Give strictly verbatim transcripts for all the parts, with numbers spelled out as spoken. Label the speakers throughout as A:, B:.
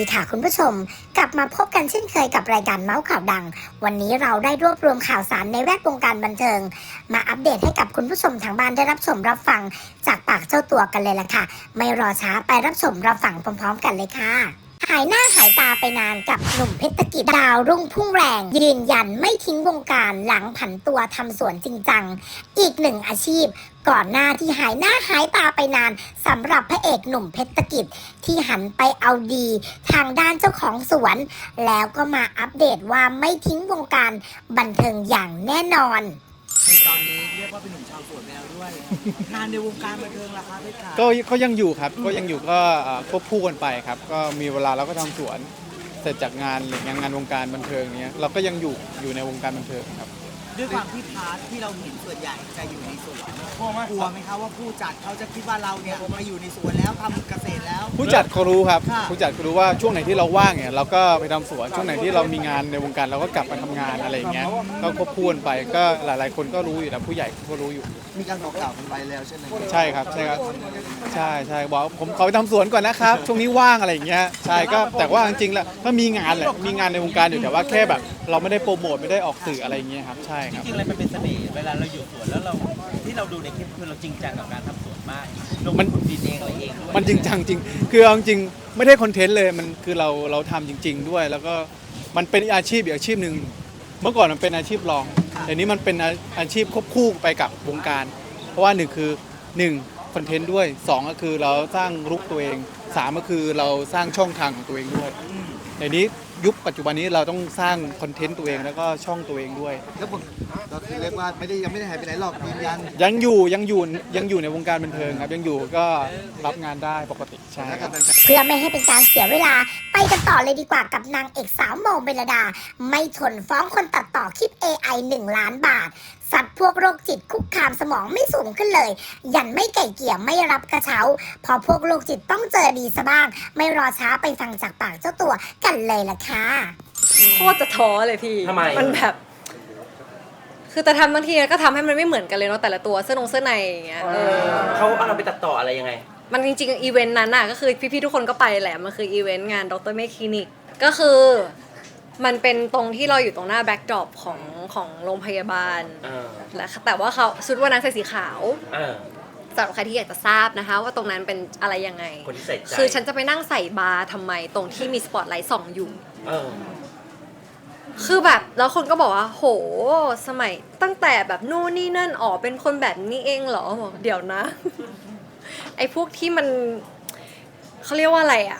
A: ดีค่ะคุณผู้ชมกลับมาพบกันเช่นเคยกับรายการเมาส์ข่าวดังวันนี้เราได้รวบรวมข่าวสารในแวดวงการบันเทิงมาอัปเดตให้กับคุณผู้ชมทางบ้านได้รับชมรับฟังจากปากเจ้าตัวกันเลยล่ะค่ะไม่รอช้าไปรับชมรับฟังพร้อมๆกันเลยค่ะหายหน้าหายตาไปนานกับหนุ่มเพชรกิจดาวรุ่งพุ่งแรงยืนยันไม่ทิ้งวงการหลังผันตัวทำสวนจริงจังอีกหนึ่งอาชีพก่อนหน้าที่หายหน้าหายตาไปนานสำหรับพระเอกหนุ่มเพชรกิจที่หันไปเอาดีทางด้านเจ้าของสวนแล้วก็มาอัปเดตว่าไม่ทิ้งวงการบันเทิงอย่างแน่นอน
B: ในตอนนี้เรียกว่าเป็นหนุ่มชาวสวนแล้วด้วยงานในวงการบันเทิงล่ะครับพี่ขา
C: ก็ก็ยังอยู่ครับก็ยังอยู่ก็ควบคู่กันไปครับก็มีเวลาเราก็ทำสวนเสร็จจากงานหรืองานวงการบันเทิงเนี้ยเราก็ยังอยู่อยู่ในวงการบันเทิงครับ
B: ด้วยความที่พาร์ทที่เราเห็นส่วนใหญ่จะอยู่ในสวนกลัวไหมครับว่าผู้จัดเขาจะคิดว่าเราเนี่ยมาอยู่ในสวนแล้วทำเกษตรแล้ว
C: ผู้จัดเขารู้ครับผู้จัดเขารู้ว่าช่วงไหนที่เราว่างเนี่ยเราก็ไปทำสวนช่วงไหนที่เรามีงานในวงการเราก็กลับมาทำงานอะไรอย่างเงี้ยก็ควบคู่กันไปก็หลายๆคนก็รู้อยู่นะผู้ใหญ่ก็รู้อยู่
B: มีการบอกกล่าวกันไปแล้วใช่ไหม
C: ใช่ครับใช่ครับใช่ใช่บอกผมขอไปทำสวนก่อนนะครับช่วงนี้ว่างอะไรอย่างเงี้ยใช่ก็แต่ว่าจริงๆแล้วถ้ามีงานแหละมีงานในวงการอยู่แต่ว่าแค่แบบเราไม่ได้โปรโมทไม่ได้ออกสื่ออะไรอย่างเงี้ยครับใช่ครับ
D: จริงๆอะไรมันเป็นเสน่ห์เวลาเราอยู่สวนแล้วเราที่เราดูในคลิปคือเราจริงจังกับการทำสวนมากลงทุนดินเองอะไรเองด้วย
C: มันจริงจังจริงคือเอาจริงไม่ได้คอนเทนต์เลยมันคือเราเราทำจริงๆด้วยแล้วก็มันเป็นอาชีพอีกอาชีพหนึ่งเมื่อก่อนมันเป็นอาชีพรองแต่นี้มันเป็นอาชีพควบคู่ไปกับวงการเพราะว่าหนึ่งคือหนึ่งคอนเทนต์ด้วยสองก็คือเราสร้างลุคตัวเองสามก็คือเราสร้างช่องทางของตัวเองด้วยในนี้ยุคปัจจุบันนี้เราต้องสร้างคอนเทนต์ตัวเองแล้วก็ช่องตัวเองด้วย
B: แล้วผมก็คือเรียกว่าไม่ได้ยังไม่ได้หายไปไหนหรอกยืนยัน
C: ยังอยู่ยังอยู่ยังอยู่ในวงการบันเทิงครับยังอยู่ก็รับงานได้ปกติใช่
A: เพื่อไม่ให้เป็นการเสียเวลาไปกันต่อเลยดีกว่ากับนางเอกสาวโมเมลดาไม่ทนฟ้องคนตัดต่อคลิป เอ ไอ หนึ่งล้านบาทสัตว์พวกโรคจิตคุกคามสมองไม่สูงขึ้นเลยยันไม่ไก่เกี่ยไม่รับกระเช้าพอพวกโรคจิตต้องเจอดีซะบ้างไม่รอช้าไปฟังจากปากเจ้าตัวกันเลยล่ะค่ะ
E: โคตรจะท้อเลยพี่
D: ทำไม
E: มันแบบคือแต่ทำบางทีก็ทำให้มันไม่เหมือนกันเลยเนาะแต่ละตัวเสื้อนงเสื้อในอย่างเงี้ย
D: เขาเอาเราไปตัดต่ออะไรยังไง
E: มันจริงๆอีเวนต์นั้นน่ะก็คือพี่ๆทุกคนก็ไปแหละมันคืออีเวนต์งานดรเมคคลินิกก็คือมันเป็นตรงที่เราอยู่ตรงหน้าแบ็คดรอปของของโรงพยาบาลและแต่ว่าเขาชุดวันนั้นใส่สีขาวสำหรับใครที่อยากจะทราบนะคะว่าตรงนั้นเป็นอะไรยังไงคือฉันจะไปนั่งใส่บาร์ทำไมตรงที่มีสปอตไลท์ส่องอยู่คือแบบแล้วคนก็บอกว่าโหสมัยตั้งแต่แบบนู่นนี่นั่นอ๋อเป็นคนแบบนี้เองเหรอบอกเดี๋ยวนะไอ้พวกที่มันเขาเรียกว่าอะไรอะ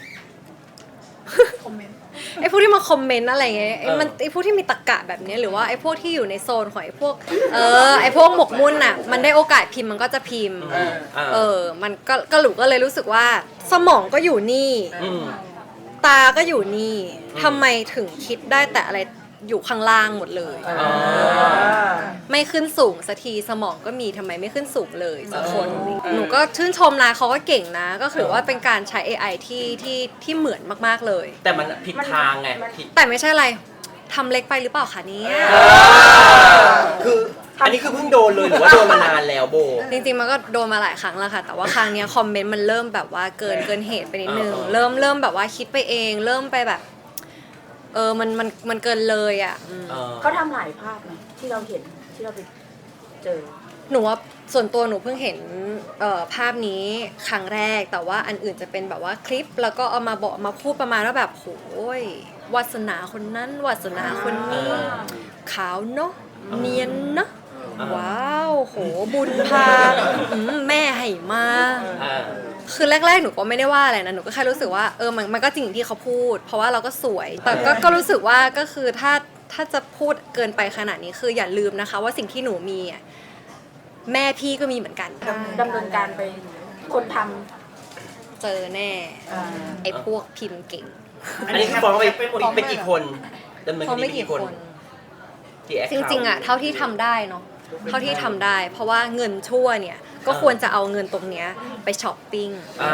E: ไอ้พวกที่มาคอมเมนต์อะไรเงี้ยไอ้มันไอ้พวกที่มีตรรกะแบบนี้หรือว่าไอ้พวกที่อยู่ในโซนของไอ้พวกเออไอ้พวกหมกมุ่นอะมันได้โอกาสพิมพ์มันก็จะพิมพ์เออมันก็ก็หลูก็เลยรู้สึกว่าสมองก็อยู่นี่ตาก็อยู่นี่ทำไมถึงคิดได้แต่อะไรอยู่ข้างล่างหมดเลยไม่ขึ้นสูงสักทีสมองก็มีทำไมไม่ขึ้นสูงเลยสักคนหนูก็ชื่นชมนะเขาก็เก่งนะก็ถือว่าเป็นการใช้ เอ ไอ ที่ที่ที่เหมือนมากๆเลย
D: แต่มันผิดทางไง
E: แต่ไม่ใช่อะไรทำเล็กไปหรือเปล่าคะเนี่ย
D: คืออันนี้คือเพิ่งโดนเลยหรือว่าโดนมานานแล้วโบ
E: จริงๆมันก็โดนมาหลายครั้งแล้วค่ะแต่ว่าครั้งนี้คอมเมนต์มันเริ่มแบบว่าเกินเกินเหตุไปนิดนึงเริ่มเริ่มแบบว่าคิดไปเองเริ่มไปแบบเออมันมันมันเกินเลยอ่ะ
F: เขาทำหลายภาพไหมที่เราเห็นที่เราไปเจอ
E: หนูว่าส่วนตัวหนูเพิ่งเห็นเอ่อภาพนี้ครั้งแรกแต่ว่าอันอื่นจะเป็นแบบว่าคลิปแล้วก็เอามาบอกมาพูดประมาณว่าแบบโหยวาสนาคนนั้นวาสนาคนนี้ขาวเนาะเนียนเนาะว้าวโหบุญพาแม่ให้มาคือแรกๆหนูก็ไม่ได้ว่าอะไรนะหนูก็แค่รู้สึกว่าเออมันมันก็จริงที่เขาพูดเพราะว่าเราก็สวยแต่ก็ก็รู้สึกว่าก็คือถ้าถ้าจะพูดเกินไปขนาดนี้คืออย่าลืมนะคะว่าสิ่งที่หนูมีอ่ะแม่พี่ก็มีเหมือนกัน
F: ดำเนินการไปคนท
E: ำเจอแน่ไอ้พวกพิมพ์เก่ง
D: อันนี้คือบอกว่าเป็นกี่คนดำเนิน
E: คดีกี่คนจริงๆอ่ะเท่าที่ทำได้เนาะเท่าที่ทำได้เพราะว่าเงินชั่วเนี่ยก็ควรจะเอาเงินตรงเนี้ยไปช้อปปิ้ง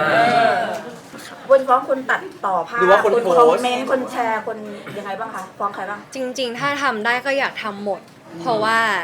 F: วนฟ้องคนตัดต่อภาพคนคอมเมนต์คนแชร์คนยังไงบ้างคะฟ้องใครบ้าง
E: จริงๆถ้าทำได้ก็อยากทำหมดเพราะว่า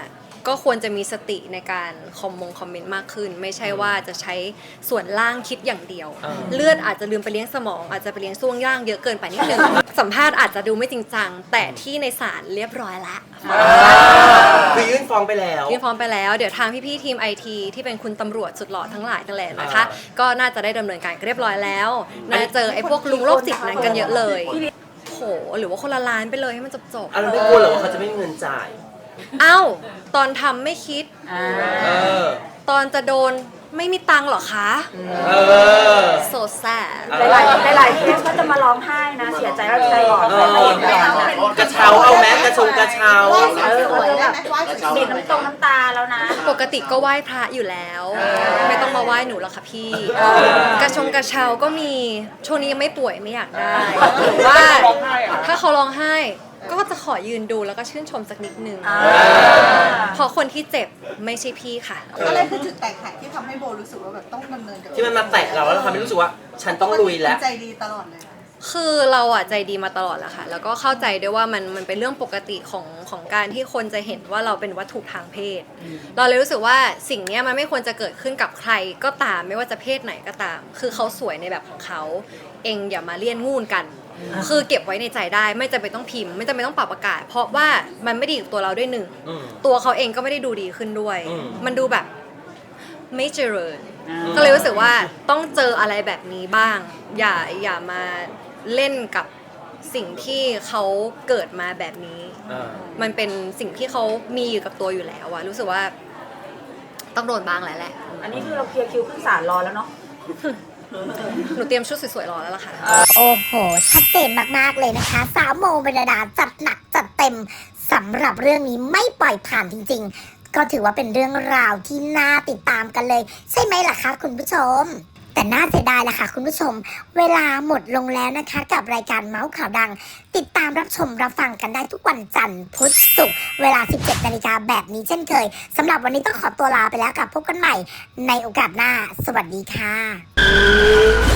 E: ก็ควรจะมีสติในการคอมมงคอมเมนต์มากขึ้น ไม่ใช่ว่าจะใช้ส่วนล่างคิดอย่างเดียว เลือดอาจจะลืมไปเลี้ยงสมอง อาจจะไปเลี้ยงช่วงย่างเยอะเกินไปนิดนึง สัมภาษณ์อาจจะดูไม่จริงจังแต่ที่ในศาลเรียบร้อยละ
G: คือยื่นฟ้องไปแล้ว
E: ยื่นฟ้องไปแล้วเดี๋ยวทางพี่ๆทีมไอทีที่เป็นคุณตำรวจสุดหล่อทั้งหลายนั่นแหละนะคะก็น่าจะได้ดำเนินการเรียบร้อยแล้วน่าจะเจอไอ้พวกลุงโรคจิตนั้นกันเยอะเลยโหหรือว่าคนละล้านไปเลยให้มันจบๆ
G: อ่ะเราไม่กลัวเหรอว่าเขาจะไม่มีเงินจ่าย
E: เอ้าตอนทำไม่คิด
G: เออ
E: ตอนจะโดนไม่มีตังค์เหรอคะ
G: เออ
E: โซแซ่บ
F: หลายๆหลายๆเคสก็จะมาร้องไห้นะเสียใจแล้วใจอ่อน
G: เออกระเช้าเอาแม้กระชงกระเช้า
F: เออเขาจะแบบบีบน้ำตรงน้ำตาแล้วนะ
E: ปกติก็ไหว้พระอยู่แล้ว ไม่ต้องมาไหว้หนูหรอกค่ะพี่ กระชงกระเช้าก็มีช่วงนี้ยังไม่ป่วยไม่อยากได้หรือว่าถ้าเขาร้องไห้ ก็จะขอยืนดูแล้วก็ชื่นชมสักนิดนึงเพราะคนที่เจ็บไม่ใช่พี่ค่ะ
H: อะไรคือจุดแตกหักที่ทำให้โบรู้สึกว่าแบบต้องดำเนินกับ
G: ที่มันมาแตะเราแล้วเราทำให้รู้สึกว่า ฉันต้องลุยแล้ว
H: ใจดีตลอดเลย
E: คือเราอะใจดีมาตลอดแหละค่ะ แล้วก็เข้าใจด้วยว่ามันมันเป็นเรื่องปกติของของการที่คนจะเห็นว่าเราเป็นวัตถุทางเพศ เราเลยรู้สึกว่าสิ่งเนี้ยมันไม่ควรจะเกิดขึ้นกับใครก็ตามไม่ว่าจะเพศไหนก็ตาม คือเขาสวยในแบบของเขาเองอย่ามาเลี่ยนงูนกัน คือเก็บไว้ในใจได้ไม่จำเป็นต้องพิมพ์ไม่จำเป็นต้องปรับอากาศ เพราะว่ามันไม่ดีกับตัวเราด้วยหนึ่ง
G: อืม
E: ตัวเขาเองก็ไม่ได้ดูดีขึ้นด้วย
G: อืม
E: มันดูแบบไม่เจริญ ก็เลยรู้สึกว่าต้องเจออะไรแบบนี้บ้าง อย่าอย่ามาเล่นกับสิ่งที่เขาเกิดมาแบบนี้
G: เออ
E: มันเป็นสิ่งที่เขามีอยู่กับตัวอยู่แล้วอะรู้สึกว่าต้องโดนบ้างแล้วแหละ
F: อันนี้คือเราเคลียร์คิวขึ้นศาลรอแล้วเนาะ
E: หนูเตรียมชุดสวยๆรอแล้วล่ะค่ะ
A: โอ้โห ชัดเจนมาก ๆ เลยนะคะ สาวโมเมลดาจัดหนักจัดเต็มสำหรับเรื่องนี้ไม่ปล่อยผ่านจริง ๆ ก็ถือว่าเป็นเรื่องราวที่น่าติดตามกันเลย ใช่ไหมล่ะคะคุณผู้ชม แต่น่าเสียดายล่ะค่ะคุณผู้ชม เวลาหมดลงแล้วนะคะ กับรายการเมาส์ข่าวดัง ติดตามรับชมรับฟังกันได้ทุกวันจันทร์พุธศุกร์เวลา สิบเจ็ดนาฬิกาแบบนี้เช่นเคยสำหรับวันนี้ต้องขอตัวลาไปแล้วกับพบกันใหม่ในโอกาสหน้า สวัสดีค่ะ